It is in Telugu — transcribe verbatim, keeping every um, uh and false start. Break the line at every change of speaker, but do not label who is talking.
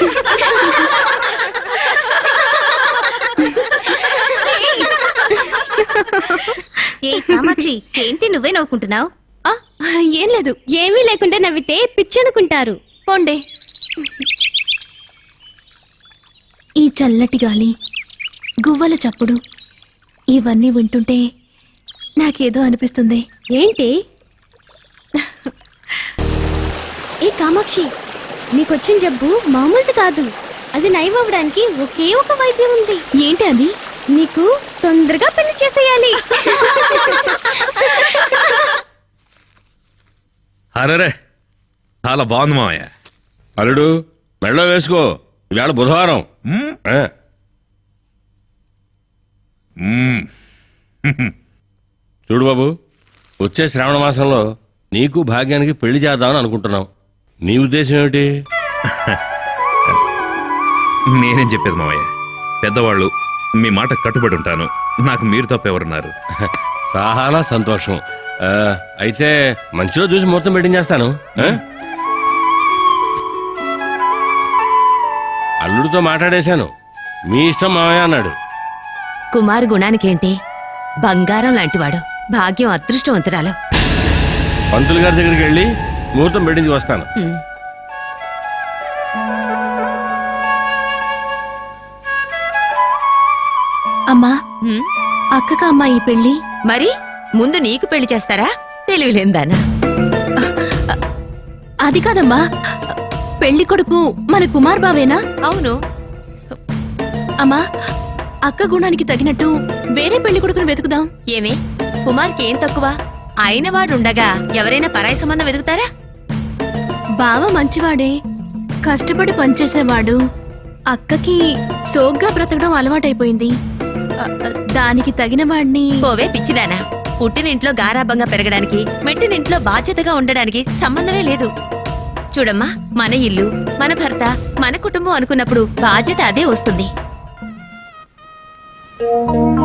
ఏ కామాక్షి, ఏంటి నువ్వే నవ్వుకుంటున్నావు?
ఏం లేదు, ఏమీ లేకుండా నవ్వితే పిచ్చనుకుంటారు. పోండే. ఈ చల్లటి గాలి, గువ్వల చప్పుడు ఇవన్నీ వింటుంటే నాకేదో అనిపిస్తుంది. ఏంటి? ఏ కామాక్షి, నీకొచ్చిన జబ్బు మామూలుది కాదు. అది నయమవ్వడానికి ఒకే ఒక వైద్యం ఉంది. ఏంటి అది? నీకు తొందరగా పెళ్లి చేసేయాలి.
అరే, చాలా బాగుంది మామయ్య.
అల్లుడు మెళ్ళో వేసుకో, ఇవాళ బుధవారం. చూడు బాబు, వచ్చే శ్రావణ మాసంలో నీకు భాగ్యానికి పెళ్లి చేద్దామని అనుకుంటున్నాం. నీ ఉద్దేశం ఏమిటి?
నేనేం చెప్పేది మామయ్య, పెద్దవాళ్ళు, మీ మాట కట్టుబడి ఉంటాను. నాకు మీరు తప్ప ఎవరున్నారు?
చాలా సంతోషం. అయితే మంచిలో చూసి ముహూర్తం పెట్టించేస్తాను. అల్లుడితో మాట్లాడేశాను, మీ ఇష్టం మామయ్య అన్నాడు.
కుమారు గుణానికేంటి, బంగారం లాంటివాడు. భాగ్యం అదృష్టవంతురాలు.
పంతులు గారి దగ్గరికి వెళ్ళి ముహూర్తం పెట్టించి వస్తాను.
అమ్మా, అక్కక అమ్మా ఈ పెళ్లి?
మరి ముందు నీకు పెళ్లి చేస్తారా? తెలివిలేందానా?
అది కాదమ్మా, పెళ్లి కొడుకు మన కుమార్ బావేనా?
అవును.
అమ్మా, అక్క గుణానికి తగినట్టు వేరే పెళ్లి కొడుకును వెతుకుదాం.
ఏమే, కుమార్కి ఏం తక్కువ? అయినవాడుండగా ఎవరైనా పరాయి సంబంధం వెతుకుతారా?
బావ మంచివాడే, కష్టపడి పనిచేసేవాడు. అక్కకి సోగ్గా బ్రతకడం అలవాటైపోయింది. దానికి తగిన వాడిని.
పోవే పిచ్చిదానా, పుట్టినింట్లో గారాబంగా పెరగడానికి, మెట్టినింట్లో బాధ్యతగా ఉండడానికి సంబంధమే లేదు. చూడమ్మా, మన ఇల్లు, మన భర్త, మన కుటుంబం అనుకున్నప్పుడు బాధ్యత అదే వస్తుంది.